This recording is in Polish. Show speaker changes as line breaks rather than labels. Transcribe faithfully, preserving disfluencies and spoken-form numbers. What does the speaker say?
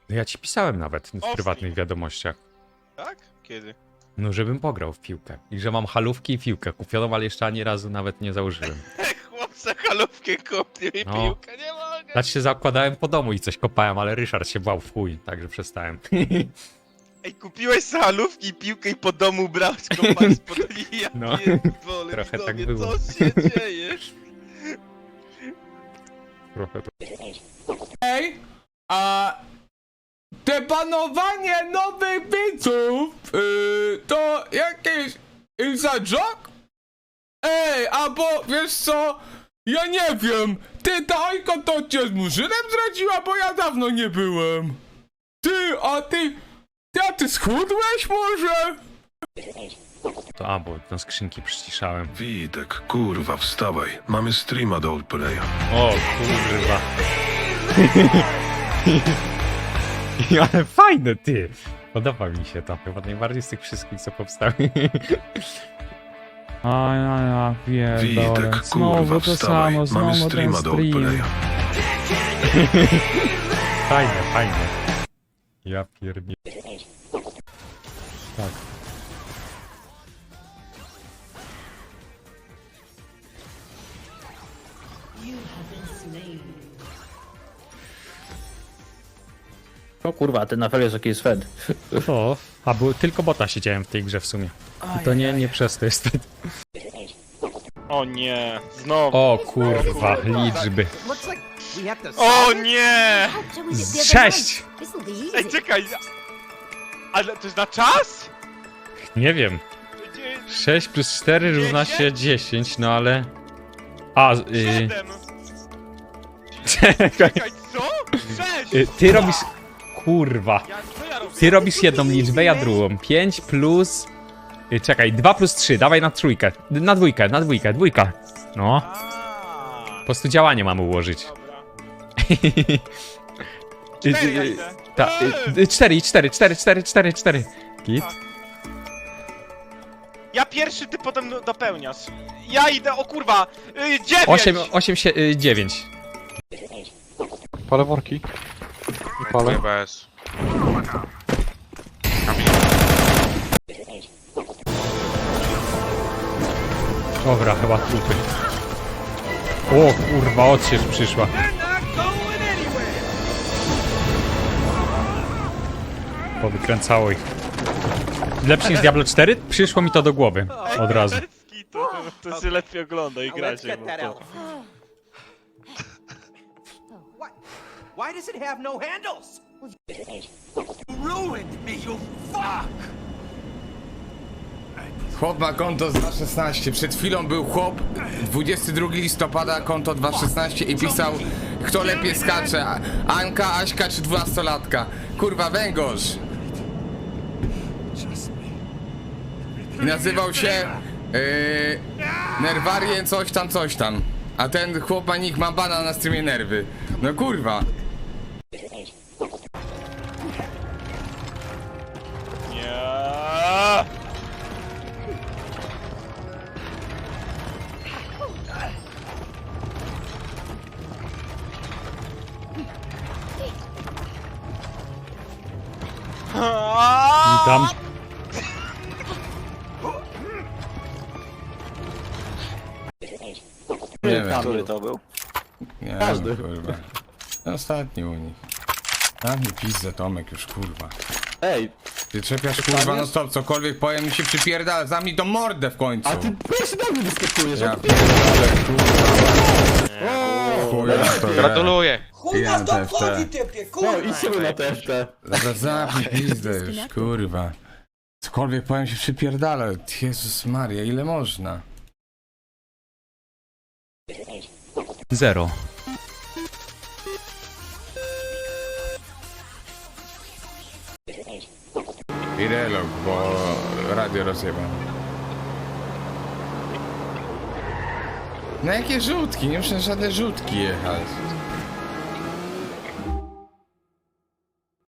No ja ci pisałem nawet w
Ostry.
prywatnych wiadomościach.
Tak? Kiedy?
No, żebym pograł w piłkę. I że mam halówki i piłkę kupioną, ale jeszcze ani razu nawet nie założyłem.
Chłopca halówkę kupił i
No.
piłkę, nie mogę.
Znaczy się zakładałem po domu i coś kopałem, ale Ryszard się bał w chuj, także przestałem.
Ej, kupiłeś sobie halówki i piłkę i po domu brałeś kopać spod ja
No.
pierdolę,
Trochę tak
widzowie,
było.
co się dzieje?
Trochę to...
Ej, a te panowanie nowych widzów, yy, to jakiś inside joke? Ej, albo wiesz co, ja nie wiem, ty ta Ajka to cię z Murzynem zdradziła, bo ja dawno nie byłem. Ty, a ty, ty, a ty schudłeś może?
to a, bo na skrzynki przyciszałem.
Witek, kurwa, wstawaj. Mamy streama do Outplaya.
O kurwa. Ale fajne, ty. Podoba mi się to. Chyba najbardziej z tych wszystkich, co powstały.
A ja, ja pierdolę,
Witek, kurwa, wstawaj. Mamy streama do Outplaya.
Fajne, fajne. Ja pierdolę. Tak.
O kurwa, ten Nafel jest jakiś Fed.
O, a był tylko bota siedziałem w tej grze w sumie. I to nie, nie przez to jest.
O nie, znowu.
O kurwa, liczby.
O nie!
Sześć!
Ej, czekaj! Ale to jest na czas?
Nie wiem. sześć plus cztery równa się dziesięć, no ale... A, y...
Siedem!
Czekaj.
Czekaj, co? Sześć!
Y, Ty robisz... Kurwa.
Ja, co ja robię?
Ty robisz jedną liczbę, ja drugą. pięć plus... y, Czekaj, dwa plus trzy, dawaj na trójkę. Na dwójkę, na dwójkę, dwójka. No.
A,
Po prostu działanie mamy ułożyć.
dobra.
Y,
Cztery ja
y,
idę.
Ta, y, y, cztery, cztery, cztery, cztery, cztery, cztery. Git.
Ja pierwszy, ty potem do- dopełniasz. Ja idę, o kurwa! Y, dziewięć!
osiem, osiem, dziewięć.
Palę worki. I palę.
Bez.
Dobra, chyba trupy. O kurwa, odsiecz przyszła. Powykręcało ich. Lepszy niż Diablo cztery? Przyszło mi to do głowy. Od razu.
To, to się lepiej ogląda i gra się. No to.
What? Why does it have no handles? Ruined me, you fuck!
Chłop ma konto z dwa szesnaście. Przed chwilą był chłop, dwudziestego drugiego listopada, konto dwa szesnaście i pisał, kto lepiej skacze, Anka, Aśka czy dwunastolatka. Kurwa, węgorz. Nazywał się yy, Nerwarien coś tam, coś tam. A ten chłop ma nick, ma bana na streamie nerwy. No kurwa.
Nie.
Witam.
Nie wiem.
Który to był?
Nie
Każdy.
wiem, kurwa. Ostatni u nich. Tam mi pizdę, Tomek, już kurwa.
Ej,
Ty czepiasz kurwa no stop, cokolwiek powiem mi się przypierdala, zamknij tą mordę w końcu.
a ty pierwszy do mnie wyskakujesz.
Ja pierdolę, kurwa. Chuja to wie.
Gratuluję.
Chuj
Ja
nas to
T F T.
obchodzi, typie,
No
kurwa!
i sobie na T F T.
Dobra, zamknij pizdę już, kurwa. Cokolwiek powiem się przypierdala. Jezus Maria, ile można?
Zero.
I relog, bo radio rozjeba. No jakie rzutki? Nie muszę żadne rzutki jechać.